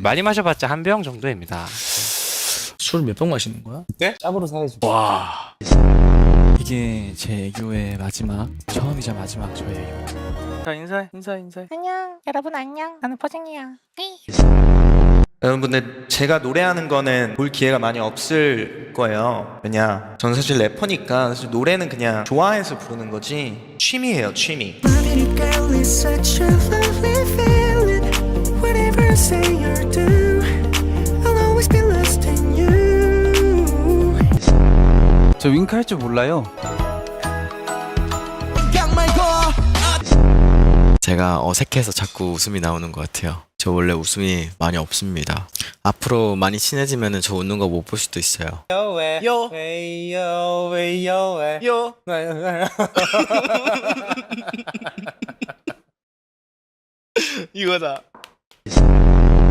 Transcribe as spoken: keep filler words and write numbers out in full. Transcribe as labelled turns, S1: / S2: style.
S1: 많이 마셔봤자 한 병 정도입니다.
S2: 술 몇 병 마시는 거야?
S1: 네?
S2: 짭으로 사야지.
S1: 와.
S2: 이게 제 애교의 마지막, 처음이자 마지막 저의 애교.
S1: 자, 인사해, 인사해, 인사해.
S3: 안녕 여러분 안녕 나는 퍼즐이야.
S4: 여러분들 제가 노래하는 거는 볼 기회가 많이 없을 거예요. 왜냐 저는 사실 래퍼니까 사실 노래는 그냥 좋아해서 부르는 거지 취미예요, 취미.
S5: Loving a girl is such a lovely feeling. Whatever you say or do, I'll always be lost in you.
S6: 저 윙크 할 줄 몰라요.
S7: 제가 어색해서 자꾸 웃음이 나오는 것 같아요. 저 원래 웃음이 많이 없습니다. 앞으로 많이 친해지면 저 웃는 거 못 볼 수도 있어요.
S1: 요왜 요왜 요왜 요왜 요 이거다.